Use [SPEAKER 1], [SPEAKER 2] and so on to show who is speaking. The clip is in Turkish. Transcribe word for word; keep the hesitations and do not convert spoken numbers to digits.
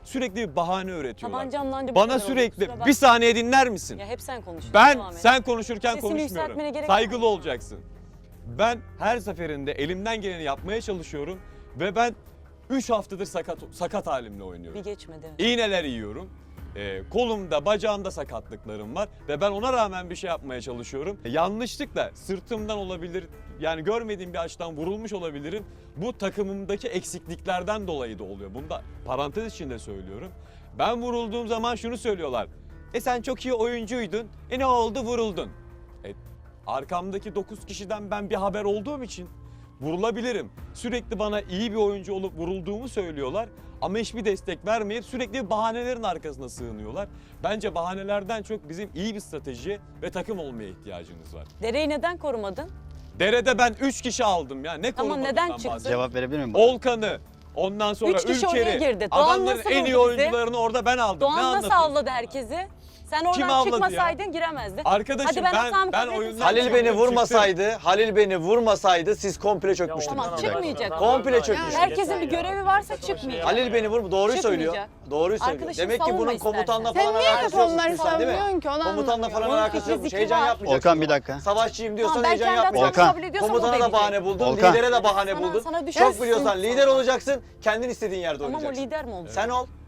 [SPEAKER 1] Sürekli bir bahane üretiyorlar.
[SPEAKER 2] Tabancamla anca bu
[SPEAKER 1] Bana
[SPEAKER 2] kadar oldu,
[SPEAKER 1] sürekli
[SPEAKER 2] kusura bakma.
[SPEAKER 1] bir saniye dinler misin?
[SPEAKER 2] Ya hep sen konuşuyorsun.
[SPEAKER 1] Ben
[SPEAKER 2] devam et.
[SPEAKER 1] sen konuşurken
[SPEAKER 2] Sesini yükseltmene
[SPEAKER 1] konuşmuyorum.
[SPEAKER 2] gerek
[SPEAKER 1] Saygılı
[SPEAKER 2] var mı?
[SPEAKER 1] olacaksın. Ben her seferinde elimden geleni yapmaya çalışıyorum ve ben üç haftadır sakat sakat halimle oynuyorum.
[SPEAKER 2] Bir geçmedi.
[SPEAKER 1] İğneler yiyorum. Ee, kolumda, bacağımda sakatlıklarım var ve ben ona rağmen bir şey yapmaya çalışıyorum. E, yanlışlıkla sırtımdan olabilir, yani görmediğim bir açıdan vurulmuş olabilirim. Bu takımımdaki eksikliklerden dolayı da oluyor. Bunu da parantez içinde söylüyorum. Ben vurulduğum zaman şunu söylüyorlar. E sen çok iyi oyuncuydun. E ne oldu, vuruldun. E, arkamdaki dokuz kişiden ben bir haber olduğum için vurulabilirim. Sürekli bana iyi bir oyuncu olup vurulduğumu söylüyorlar ama hiçbir destek vermeyip sürekli bahanelerin arkasına sığınıyorlar. Bence bahanelerden çok bizim iyi bir strateji ve takım olmaya ihtiyacımız var.
[SPEAKER 2] Dereyi neden korumadın?
[SPEAKER 1] Derede ben üç kişi aldım ya. Ne
[SPEAKER 2] Tamam,
[SPEAKER 1] korumadığından
[SPEAKER 2] neden çıktı?
[SPEAKER 1] bahsediyorum.
[SPEAKER 3] Cevap verebilir miyim? bana?
[SPEAKER 1] Olkan'ı, ondan sonra
[SPEAKER 2] Üç kişi oraya
[SPEAKER 1] Ülker'i,
[SPEAKER 2] girdi. Doğan
[SPEAKER 1] adamların
[SPEAKER 2] nasıl
[SPEAKER 1] en iyi
[SPEAKER 2] vurdu bizi?
[SPEAKER 1] oyuncularını orada ben aldım. Ne
[SPEAKER 2] Doğan nasıl
[SPEAKER 1] anlatıyorsun
[SPEAKER 2] avladı
[SPEAKER 1] bana?
[SPEAKER 2] herkesi? Sen
[SPEAKER 1] Kim
[SPEAKER 2] oradan
[SPEAKER 1] avladı
[SPEAKER 2] çıkmasaydın giremezdin.
[SPEAKER 1] Arkadaşım
[SPEAKER 2] Hadi ben
[SPEAKER 1] ben,
[SPEAKER 2] hatamı
[SPEAKER 1] ben
[SPEAKER 2] kabul ettim.
[SPEAKER 1] oyundan
[SPEAKER 4] Halil beni
[SPEAKER 1] çıktım.
[SPEAKER 4] vurmasaydı, Halil beni vurmasaydı siz komple çökmüştünüz.
[SPEAKER 2] Tamam,
[SPEAKER 4] bir kere.
[SPEAKER 2] çıkmayacak.
[SPEAKER 4] Komple çökmüş.
[SPEAKER 2] Herkesin bir görevi varsa çıkmayacak.
[SPEAKER 4] Halil beni vur, doğruyu söylüyor.
[SPEAKER 2] Çıkmayacak.
[SPEAKER 4] Doğruyu söylüyor.
[SPEAKER 2] Arkadaşım
[SPEAKER 4] Demek ki
[SPEAKER 2] savunma
[SPEAKER 4] bunun
[SPEAKER 2] istersen.
[SPEAKER 4] komutanla
[SPEAKER 5] Sen
[SPEAKER 4] falan
[SPEAKER 5] niye hep
[SPEAKER 4] alakası
[SPEAKER 5] onları
[SPEAKER 4] yokmuş sen değil mi?
[SPEAKER 5] savunuyorsun ki? Onu
[SPEAKER 4] Komutanla
[SPEAKER 5] anlamıyorum.
[SPEAKER 4] falan
[SPEAKER 2] Onun
[SPEAKER 4] alakası
[SPEAKER 2] fikri
[SPEAKER 4] yokmuş.
[SPEAKER 2] zikri
[SPEAKER 4] Heyecan
[SPEAKER 2] var.
[SPEAKER 4] yapmayacaksın.
[SPEAKER 3] Volkan, bir dakika.
[SPEAKER 4] Savaşçıyım diyorsan
[SPEAKER 2] Tamam, ben
[SPEAKER 4] heyecan
[SPEAKER 2] kendi hatamı
[SPEAKER 4] yapmayacaksın.
[SPEAKER 2] kabul ediyorsam o da
[SPEAKER 4] Komutana da
[SPEAKER 2] edecek.
[SPEAKER 4] bahane buldun,
[SPEAKER 3] Volkan.
[SPEAKER 4] lidere de bahane
[SPEAKER 2] Sana-
[SPEAKER 4] buldun.
[SPEAKER 2] sana düşersin.
[SPEAKER 4] Çok biliyorsan lider olacaksın, kendin istediğin yerde
[SPEAKER 2] Tamam, o
[SPEAKER 4] oynayacaksın.
[SPEAKER 2] lider mi olacak?
[SPEAKER 4] Sen ol.